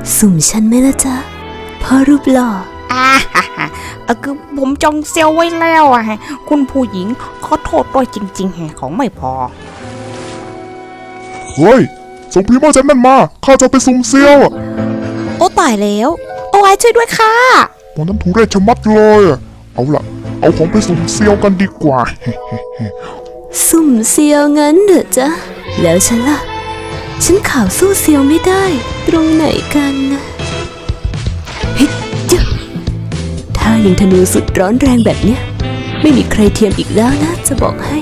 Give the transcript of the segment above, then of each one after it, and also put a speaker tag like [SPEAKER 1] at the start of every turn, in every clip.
[SPEAKER 1] สุ่มฉันไหมล่ะจ๊ะพ่อรูปหล่อ
[SPEAKER 2] คือผมจองเซลไว้แล้วฮะคุณผู้หญิงขอโทษด้วยจริงๆฮะของไม่พอ
[SPEAKER 3] เฮ้ยส่งพรีโมเจนนั่นมาข้าจะไปสุ่มเซียว
[SPEAKER 2] โอ้ตายแล้วโอ้ยช่วยด้วยค่ะ
[SPEAKER 3] ตอนนั้นทุเรศชะมัดเลยเอาล่ะเอาของไปสุ่มเซียวกันดีกว่า
[SPEAKER 1] สุ่มเซียวงั้นเหรอจ๊ะแล้วฉันล่ะฉันข่าวสู้เซียวไม่ได้ตรงไหนกันนะเฮ้ยจ๊ะถ้ายิงธนูสุดร้อนแรงแบบเนี้ยไม่มีใครเทียมอีกแล้วนะจะบอกให้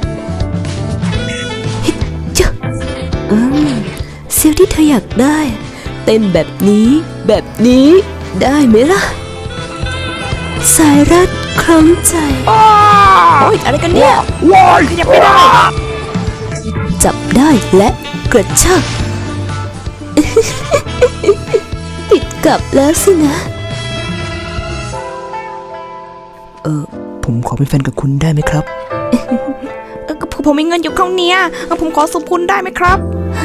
[SPEAKER 1] เฮ้ยจ๊ะเซียวที่เธออยากได้เต้นแบบนี้ได้ไหมล่ะสายรัดคล้องใจ
[SPEAKER 2] โอ้ยอะไรกันเนี่ย
[SPEAKER 3] ว้าย
[SPEAKER 2] ขยับไม่ได้
[SPEAKER 1] จับได้และกระชาก ติดกับแล้วสินะ
[SPEAKER 4] ผมขอเป็นแฟนกับคุณได้ไหมครับ
[SPEAKER 2] ผมมีเงินอยู่ข้างเนี้ยผมขอสมคุณได้ไหมครับ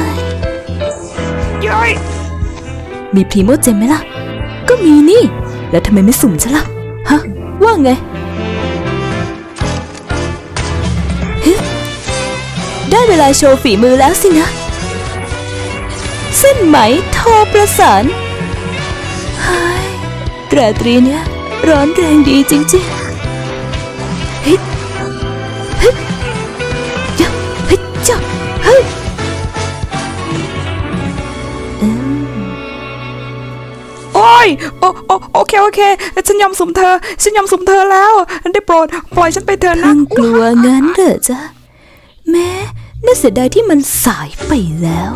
[SPEAKER 2] ย้อย
[SPEAKER 1] มีพรีโมเจมไหมล่ะก็มีนี่แล้วทำไมไม่สุ่มฉันล่ะฮะว่าไงได้เวลาโชว์ฝีมือแล้วสินะเส้นไหมโทรประสานราตรีเนี้ยร้อนแรงดีจริงๆเฮ้ยจ้าเฮ้ยจ้าเฮ้ย
[SPEAKER 2] โอ้ยโอเคฉันยอมสุ่มเธอแล้วได้โปรดปล่อยฉันไปเถอะนะ
[SPEAKER 1] กลัวงั้นเหรอจ๊ะแม้น่าเสียดายที่มันสายไปแล้ว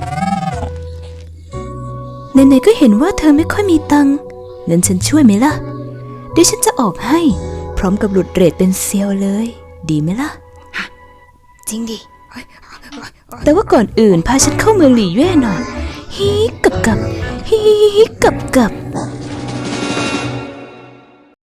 [SPEAKER 1] ไหนๆก็เห็นว่าเธอไม่ค่อยมีตังค์งั้นฉันช่วยไหมล่ะเดี๋ยวฉันจะออกให้พร้อมกับหลุดเรทเป็นเซียวเลยดีไหมล่ะ
[SPEAKER 2] จริงดิ
[SPEAKER 1] แต่ว่าก่อนอื่นพาฉันเข้าเมืองหลี่เย่หน่อยฮีกับฮีกับ